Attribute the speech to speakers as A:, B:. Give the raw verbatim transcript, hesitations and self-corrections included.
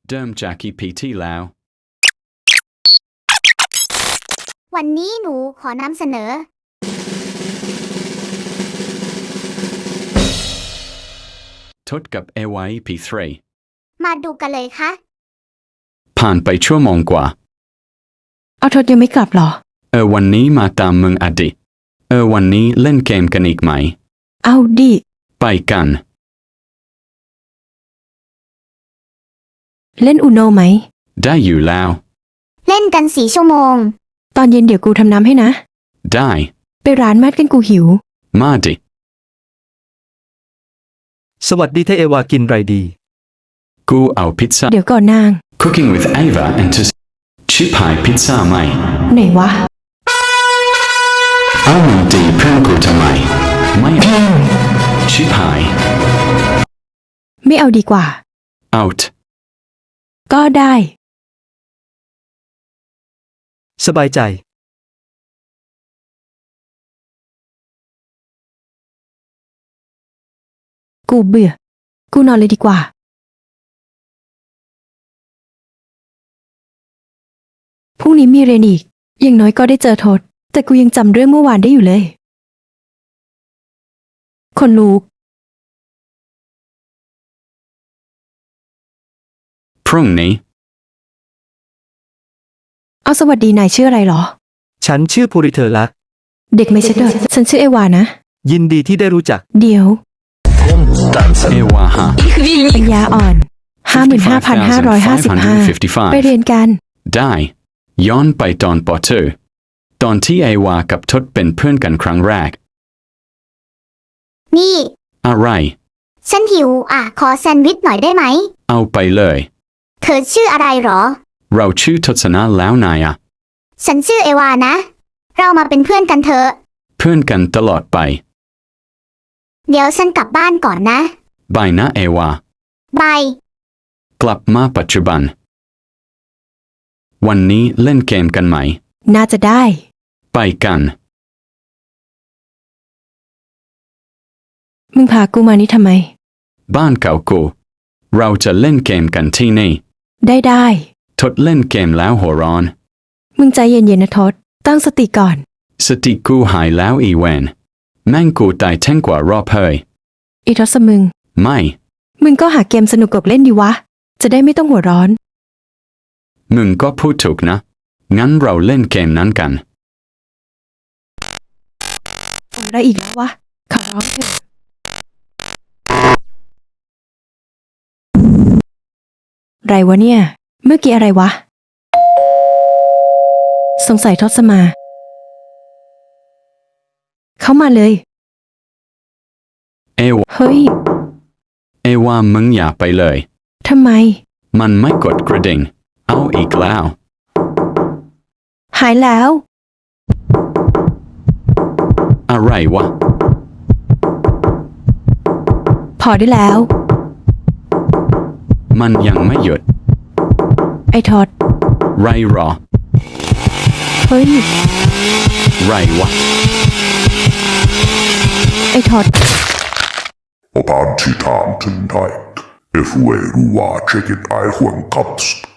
A: เดิมจากอีพีที่แล้ว
B: วันนี้หนูขอนำเสนอ
A: ทดกับเอวา อี พี สาม
B: มาดูกันเลยค่ะ
A: ผ่านไปชั่วโมงกว่า
C: เอาทศยังไม่กลับหรอ
A: เออวันนี้มาตามมึงอดิเออวันนี้เล่นเกมกันอีกไหม
C: เอาดิ
A: ไปกัน
C: เล่นอูโนไหม
A: ได้อยู่แล้ว
B: เล่นกันสี่ชั่วโมง
C: ตอนเย็นเดี๋ยวกูทำน้ำให้นะ
A: ได้
C: ไปร้านแมทกันกูหิว
A: มาดิ
D: สวัสดีเทเอวากินไรดี
A: กูเอาพิซซ่า
C: เดี๋ยวก่อนนาง
A: Cooking with Ava and to ชิพายพิซซ่าไหม
C: ไหนวะ
A: เอามึงดีเพื่อนกูทำไมไม่ชิพาย
C: ไม่เอาดีกว่า
A: out
C: ก็ได้
D: สบายใจ
C: กูเบื่อกูนอนเลยดีกว่าพรุ่งนี้มีเรียนอีกอย่างน้อยก็ได้เจอทศแต่กูยังจำเรื่องเมื่อวานได้อยู่เลยคนลุก
A: พรุ่งนี้
C: เอาสวัสดีนายชื่ออะไรหรอ
D: ฉันชื่อภูริเธอรัก
C: เด็กไม่ใช่เด็กฉันชื่อเอวานะ
D: ยินดีที่ได้รู้จัก
C: เดี๋ยว
A: เอวาฮะ
C: ปัญญาอ่อนห้าหมื่นห้าพันห้าร้อยห้าสิบห้าไปเรียนกัน
A: ได้ย้อนไปตอนปอเตอร์ตอนที่เอวากับทศเป็นเพื่อนกันครั้งแรก
B: นี่
A: อะไร
B: ฉันหิวอ่ะขอแซนด์วิชหน่อยได้ไหม
A: เอาไปเลย
B: เธอชื่ออะไรหรอ
A: เราชื่อทศนะแล้วนายอะ
B: ฉันชื่อเอวานะเรามาเป็นเพื่อนกันเถอะ
A: เพื่อนกันตลอดไป
B: เดี๋ยวฉันกลับบ้านก่อนนะ
A: บายนะเอวา
B: บาย
A: กลับมาปัจจุบันวันนี้เล่นเกมกันไหม
C: น่าจะได้
A: ไปกัน
C: มึงพากูมานี่ทำไม
A: บ้านเก่ากูเราจะเล่นเกมกันที่นี่
C: ได้ได้
A: ทดเล่นเกมแล้วหัวร้อน
C: มึงใจเย็นๆนะทศตั้งสติก่อน
A: สติกูหายแล้วอีเวนแม่งกูตายแท่งกว่ารอบเฮย
C: อีทศมึง
A: ไม่
C: มึงก็หาเกมสนุกกบเล่นดีวะจะได้ไม่ต้องหัวร้อน
A: มึงก็พูดถูกนะงั้นเราเล่นเกมนั้นกัน
C: อะไรอีกแล้ววะขอร้องเถอะไรวะเนี่ยเมื่อกี้อะไรวะสงสัยทศมาเข้ามาเลย
A: เอว
C: เฮ้ย
A: เอวามึงอย่าไปเลย
C: ทำไม
A: มันไม่กดกระดิ่งเอาอีกแล้ว
C: หายแล้ว
A: อะไรวะ
C: พอได้แล้ว
A: มันยังไม่หยุด
C: ไอ้ทศ
A: ไรหรอ
C: เฮ้ย
A: ไรวะ
C: ไอ้ทศ
E: Op aan Titan tonight, if we watch it, I want cups.